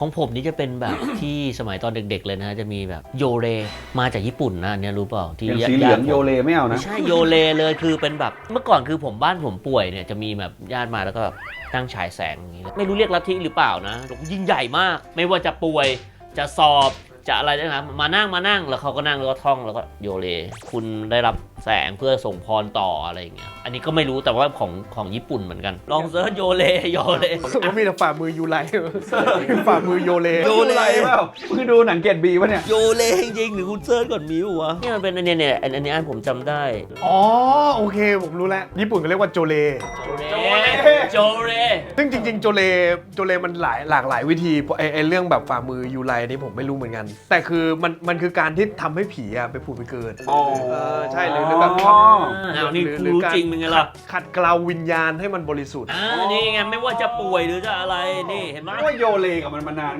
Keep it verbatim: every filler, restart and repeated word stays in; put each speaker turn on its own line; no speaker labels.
ของผมนี่จะเป็นแบบ ที่สมัยตอนเด็กๆเลยนะฮะจะมีแบบโยเรมาจากญี่ปุ่นนะอันเนี่ยรู้เปล่าที่
อย่างสีเหลืองโยเลไม่เอานะ
ไม่ใช่โยเรเลยคือเป็นแบบเมื่อก่อนคือผมบ้านผมป่วยเนี่ยจะมีแบบญาติมาแล้วก็แบบตั้งฉายแสงอย่างนี้ไม่รู้เรียกลัทธิหรือเปล่านะยิ่งใหญ่มากไม่ว่าจะป่วยจะสอบจะอะไรนะครับมานั่งมานั่งแล้วเขาก็นั่งแล้วก็ท่องแล้วก็โยเรคุณได้รับแสงเพื่อส่งพรต่ออะไรอย่างเงี้ยอันนี้ก็ไม่รู้แต่ว่าของของญี่ปุ่นเหมือนกันลองเซิร์ชโยเรโยเร
ก็มีแต่ฝ่ามือยูไลฝ่ามือโยเล
โยเล
อะไรเปล่าคือดูหนังเกตบีวะเนี่ย
โยเรจริงๆหรือคุณเซิร์ชก่อนมิววะเนี่ยมันเป็นอันเนี้ยเนี่ยอันอันนี้อันผมจำได้
อ๋อโอเคผมรู้แล้วญี่ปุ่นเขาเรียกว่าโจเล
โจเรโจเร
ซึ่งจริงๆโจเลโจเลมันหลายหลากหลายวิธีไอ้ไอ้เรื่องแบบฝ่ามือยูไลนี่ผมไม่รู้เหมือนกัน แต่คือมันมันคือการที่ทำให้ผีอะไปผุดไปเกิด
อ๋อ
เออใช่หรือหรือแบบ
อ๋อ
อ้าวนี่กูรู้จริงเป็นไงล่ะ
ขัดเกลาวิญญาณให้มันบริสุทธิ์
อ่านี่ไงไม่ว่าจะป่วยหรือจะอะไรนี่เห็นไหม
ว่าโยเลกับมันมานาน